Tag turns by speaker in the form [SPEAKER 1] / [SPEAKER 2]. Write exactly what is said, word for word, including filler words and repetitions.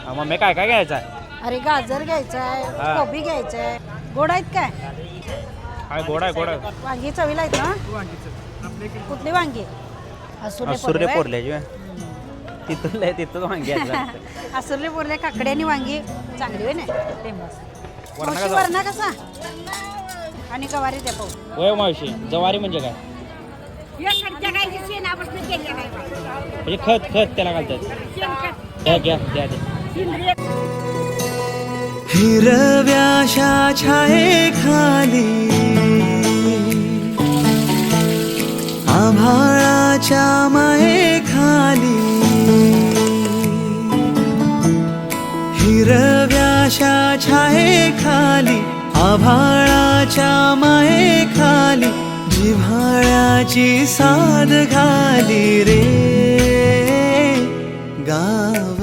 [SPEAKER 1] Mummy काय काय घ्यायचं आहे?
[SPEAKER 2] अरे गाजर घ्यायचं
[SPEAKER 1] हा.
[SPEAKER 2] आहे, कोबी घ्यायचं आहे. गोड आहेत काय?
[SPEAKER 1] काय गोड आहे गोड आहे
[SPEAKER 2] वांगी चवीला आहेत ना? कुठली वांगी? असुर्ले
[SPEAKER 1] सुर्ले
[SPEAKER 2] पोरले
[SPEAKER 1] पोरल्याची व्हय? तिथून लय तिथून वांगी आहेत.
[SPEAKER 2] असुर्ले पोरले काकडे आणि वांगी चांगली होय ना फेमस.
[SPEAKER 1] वरणा
[SPEAKER 2] मावशी
[SPEAKER 1] कसा?
[SPEAKER 2] वरणा कसा? आणि गवारी द्या पाहू.
[SPEAKER 1] होय मावशी जवारी म्हणजे काय? म्हणजे खत खत त्याला घालतात. घ्या घ्या द्या द्या.
[SPEAKER 3] हिरव्याशा छायेखाली आभाळाच्या मायेखाली हिरव्याशा छायेखाली आभाळाच्या मायेखाली जिव्हाळ्याची साद घाली रे गाव